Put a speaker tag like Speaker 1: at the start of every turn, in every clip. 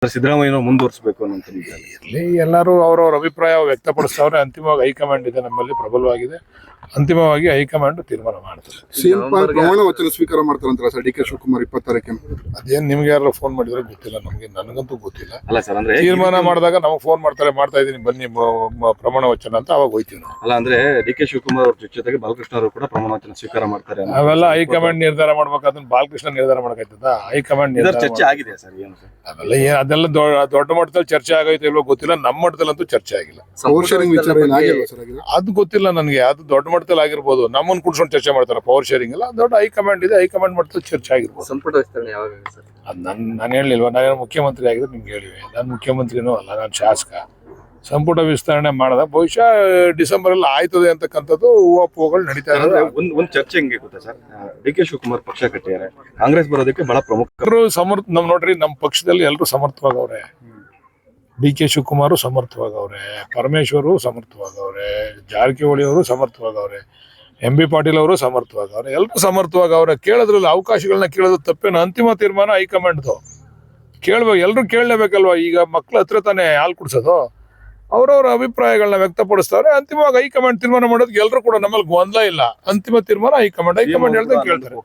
Speaker 1: ಸಿದ್ದರಾಮಯ್ಯ ಮುಂದುವರಿಸಬೇಕು ಅನ್ನೋ
Speaker 2: ಇಲ್ಲಿ ಎಲ್ಲರೂ ಅವರವರ ಅಭಿಪ್ರಾಯ ವ್ಯಕ್ತಪಡಿಸ್ತವ್ರೆ. ಅಂತಿಮವಾಗಿ ಹೈಕಮಾಂಡ್ ಇದೆ ನಮ್ಮಲ್ಲಿ ಪ್ರಬಲವಾಗಿದೆ. ಅಂತಿಮವಾಗಿ ಹೈಕಮಾಂಡ್ ತೀರ್ಮಾನ ಮಾಡ್ತಾರೆ.
Speaker 3: ಸಿಎಂ ಪ್ರಮಾಣ ವಚನ ಸ್ವೀಕಾರ ಮಾಡ್ತಾರಂತ ಸರ್ ಡಿ.ಕೆ. ಶಿವಕುಮಾರ್ 20 ತಾರೀಕಿನ.
Speaker 2: ಅದೇನು ನಿಮ್ಗೆ ಯಾರು ಫೋನ್ ಮಾಡಿದ್ರೆ ಗೊತ್ತಿಲ್ಲ, ನನಗಂತೂ ಗೊತ್ತಿಲ್ಲ.
Speaker 1: ಅಲ್ಲ ಸರ್, ಅಂದ್ರೆ
Speaker 2: ತೀರ್ಮಾನ ಮಾಡಿದಾಗ ನಮಗೆ ಫೋನ್ ಮಾಡ್ತಾರೆ, ಮಾಡ್ತಾ ಇದೀನಿ ಬನ್ನಿ ಪ್ರಮಾಣ ವಚನ ಅಂತ ಅವಾಗ ಹೋಯ್ತೀವಿ ನಾವು.
Speaker 1: ಅಲ್ಲ ಅಂದ್ರೆ ಡಿ.ಕೆ. ಶಿವಕುಮಾರ್ ಅವ್ರ ಜೊತೆಗೆ ಬಾಲಕೃಷ್ಣ ಅವರು ಕೂಡ ಪ್ರಮಾಣ ವಚನ ಸ್ವೀಕಾರ ಮಾಡ್ತಾರೆ.
Speaker 2: ಅವೆಲ್ಲ ಹೈಕಮಾಂಡ್ ನಿರ್ಧಾರ ಮಾಡ್ಬೇಕಾದ್ರೆ ಬಾಲಕೃಷ್ಣ ನಿರ್ಧಾರ ಮಾಡಕೈತದ? ಹೈಕಮಾಂಡ್
Speaker 1: ಚರ್ಚೆ ಆಗಿದೆ ಸರ್. ಏನು ಸರ್
Speaker 2: ಅದೆಲ್ಲ ದೊಡ್ಡ ಮಟ್ಟದಲ್ಲಿ ಚರ್ಚೆ ಆಗೈತೆ ಇಲ್ವೋ ಗೊತ್ತಿಲ್ಲ. ನಮ್ಮ ಮಟ್ಟದಲ್ಲಂತೂ ಚರ್ಚೆ ಆಗಿಲ್ಲ. ಅದು ಗೊತ್ತಿಲ್ಲ ನನಗೆ. ಅದು ದೊಡ್ಡ ಮಟ್ಟದಲ್ಲಿ ಆಗಿರ್ಬೋದು. ನಮ್ಮನ್ನು ಕುಡ್ಸ್ಕೊಂಡು ಚರ್ಚೆ ಮಾಡ್ತಾರೆ. ಪವರ್ ಶೇರಿಂಗ್ ಎಲ್ಲ ದೊಡ್ಡ ಹೈಕಮಾಂಡ್ ಇದೆ. ಹೈಕಮಾಂಡ್ ಮಟ್ಟದಲ್ಲಿ ಚರ್ಚೆ ಆಗಿರ್ಬೋದು.
Speaker 4: ಸಂಪುಟ ವಿಸ್ತರಣೆ ಯಾವಾಗ ಸರ್?
Speaker 2: ಅದು ನಾನು ಹೇಳಿಲ್ವಾ? ನಾನೇನು ಮುಖ್ಯಮಂತ್ರಿ ಆಗಿದ್ರೆ ನಿಮ್ಗೆ ಹೇಳಿವೆ. ನಾನು ಮುಖ್ಯಮಂತ್ರಿನೂ ಅಲ್ಲ, ನಾನು ಶಾಸಕ. ಸಂಪುಟ ವಿಸ್ತರಣೆ ಮಾಡಿದ ಬಹುಶಃ ಡಿಸೆಂಬರ್ ಅಲ್ಲಿ ಆಯ್ತದೆ ಅಂತಕ್ಕಂಥದ್ದು ಹೂವಾಪುಗಳು ನಡೀತಾ ಇದ್ದಾರೆ.
Speaker 1: ಒಂದು ಚರ್ಚೆ ಹೆಂಗೆ ಗೊತ್ತಾ ಸರ್, ಡಿ.ಕೆ. ಶಿವಕುಮಾರ್ ಪಕ್ಷ ಕಟ್ಟಿದ್ದಾರೆ, ಕಾಂಗ್ರೆಸ್ ಬರೋದಕ್ಕೆ ಬಹಳ ಪ್ರಮುಖರು
Speaker 2: ನೋಡ್ರಿ, ನಮ್ಮ ಪಕ್ಷದಲ್ಲಿ ಎಲ್ಲರೂ ಸಮರ್ಥವಾಗವ್ರೆ. ಡಿ.ಕೆ. ಶಿವಕುಮಾರ್ ಸಮರ್ಥವಾಗವ್ರೆ, ಪರಮೇಶ್ವರು ಸಮರ್ಥವಾಗವ್ರೆ, ಜಾರಕಿಹೊಳಿ ಅವರು ಸಮರ್ಥವಾಗವ್ರೆ, ಎಂ.ಬಿ. ಪಾಟೀಲ್ ಅವರು ಸಮರ್ಥವಾಗವ್ರೆ. ಎಲ್ಲರೂ ಸಮರ್ಥವಾಗವ್ರೆ. ಕೇಳೋದ್ರಲ್ಲಿ ಅವಕಾಶಗಳನ್ನ ಕೇಳೋದು ತಪ್ಪೇನು? ಅಂತಿಮ ತೀರ್ಮಾನ ಹೈಕಮಾಂಡ್ದು. ಕೇಳ್ಬೇಕು, ಎಲ್ಲರೂ ಕೇಳಲೇಬೇಕಲ್ವಾ? ಈಗ ಮಕ್ಳು ಹತ್ರ ತಾನೇ ಹಾಲು ಕುಡಿಸೋದು. ಅವ್ರವ್ರ ಅಭಿಪ್ರಾಯಗಳನ್ನ ವ್ಯಕ್ತಪಡಿಸ್ತಾರೆ. ಅಂತಿಮವಾಗಿ ಹೈಕಮಾಂಡ್ ತೀರ್ಮಾನ ಮಾಡೋದಕ್ಕೆ ಎಲ್ಲರೂ ಕೂಡ ನಮ್ಮಲ್ಲಿ ಗೊಂದಲ ಇಲ್ಲ. ಅಂತಿಮ ತೀರ್ಮಾನ ಹೈಕಮಾಂಡ್ ಹೇಳ್ದಂಗೆ ಕೇಳ್ತಾರೆ.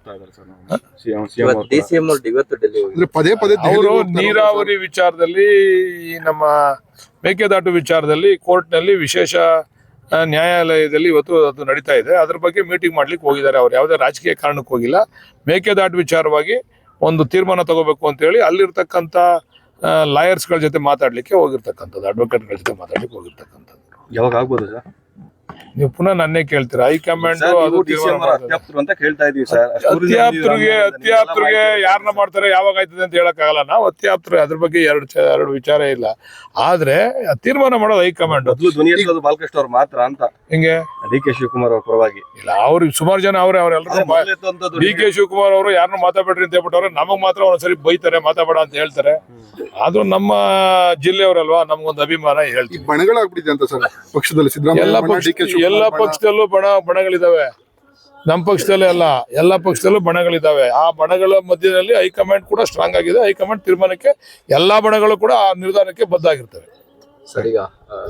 Speaker 2: ಅವರು ನೀರಾವರಿ ವಿಚಾರದಲ್ಲಿ, ನಮ್ಮ ಮೇಕೆದಾಟು ವಿಚಾರದಲ್ಲಿ ಕೋರ್ಟ್ನಲ್ಲಿ ವಿಶೇಷ ನ್ಯಾಯಾಲಯದಲ್ಲಿ ಇವತ್ತು ಅದು ನಡೀತಾ ಇದೆ. ಅದ್ರ ಬಗ್ಗೆ ಮೀಟಿಂಗ್ ಮಾಡ್ಲಿಕ್ಕೆ ಹೋಗಿದ್ದಾರೆ. ಅವ್ರು ಯಾವುದೇ ರಾಜಕೀಯ ಕಾರಣಕ್ಕೆ ಹೋಗಿಲ್ಲ. ಮೇಕೆದಾಟು ವಿಚಾರವಾಗಿ ಒಂದು ತೀರ್ಮಾನ ತಗೋಬೇಕು ಅಂತ ಹೇಳಿ ಅಲ್ಲಿರ್ತಕ್ಕಂಥ ಲಾಯರ್ಸ್ಗಳ ಜೊತೆ ಮಾತಾಡ್ಲಿಕ್ಕೆ ಹೋಗಿರ್ತಕ್ಕಂಥದ್ದು, ಅಡ್ವೊಕೇಟ್ಗಳ ಜೊತೆ ಮಾತಾಡ್ಲಿಕ್ಕೆ ಹೋಗಿರ್ತಕ್ಕಂಥದ್ದು.
Speaker 1: ಯಾವಾಗ ಆಗ್ಬೋದು ಸರ್?
Speaker 2: ನೀವು ಪುನಃ ನನ್ನೇ ಕೇಳ್ತೀರಾ? ಹೈಕಮಾಂಡ್
Speaker 1: ಅಂತ ಕೇಳ್ತಾ ಇದೀವಿ ಸರ್.
Speaker 2: ಅತ್ಯಾಪ್ತರಿಗೆ ಯಾರನ್ನ ಮಾಡ್ತಾರೆ, ಯಾವಾಗ ಆಯ್ತದೆ ಅಂತ ಹೇಳಕ್ಕಾಗಲ್ಲ. ನಾವು ಅತ್ಯಾಪ್ತರು, ಅದ್ರ ಬಗ್ಗೆ ಎರಡು ವಿಚಾರ ಇಲ್ಲ. ಆದ್ರೆ ತೀರ್ಮಾನ ಮಾಡೋದು ಹೈಕಮಾಂಡ್.
Speaker 1: ಬಾಲಕೃಷ್ಣ ಅವ್ರು ಮಾತ್ರ ಅಂತ
Speaker 2: ಹಿಂಗೆ
Speaker 1: ಡಿ.ಕೆ. ಶಿವಕುಮಾರ್ ಅವ್ರ ಪರವಾಗಿ
Speaker 2: ಇಲ್ಲ. ಅವ್ರು ಸುಮಾರು ಜನ ಅವರೆಲ್ಲರೂ ಡಿ.ಕೆ. ಶಿವಕುಮಾರ್ ಅವರು ಯಾರನ್ನ ಮಾತಾಡ್ಬೇಡ್ರಿ ಅಂತ ಹೇಳ್ಬಿಟ್ಟವ್ರೆ. ನಮಗ್ ಮಾತ್ರ ಒಂದ್ಸರಿ ಬೈತಾರೆ, ಮಾತಾಡಬೇಡ ಅಂತ ಹೇಳ್ತಾರೆ. ಆದ್ರೂ ನಮ್ಮ ಜಿಲ್ಲೆಯವರಲ್ವಾ, ನಮ್ಗೊಂದು ಅಭಿಮಾನ ಹೇಳ್ತೀವಿ.
Speaker 3: ಬಣಗಳಾಗ್ಬಿಟ್ಟಿದೆ ಅಂತ ಸರ್ ಪಕ್ಷದಲ್ಲಿ.
Speaker 2: ಎಲ್ಲ ಪಕ್ಷದಲ್ಲೂ ಬಣಗಳಿದಾವೆ. ನಮ್ಮ ಪಕ್ಷದಲ್ಲೇ ಅಲ್ಲ, ಎಲ್ಲ ಪಕ್ಷದಲ್ಲೂ ಬಣಗಳಿದಾವೆ. ಆ ಬಣಗಳ ಮಧ್ಯದಲ್ಲಿ ಹೈಕಮಾಂಡ್ ಕೂಡ ಸ್ಟ್ರಾಂಗ್ ಆಗಿದೆ. ಹೈಕಮಾಂಡ್ ತೀರ್ಮಾನಕ್ಕೆ ಎಲ್ಲಾ ಬಣಗಳು ಕೂಡ ಆ ನಿರ್ಧಾರಕ್ಕೆ ಬದ್ಧ ಆಗಿರ್ತವೆ.
Speaker 4: ಸರಿಗ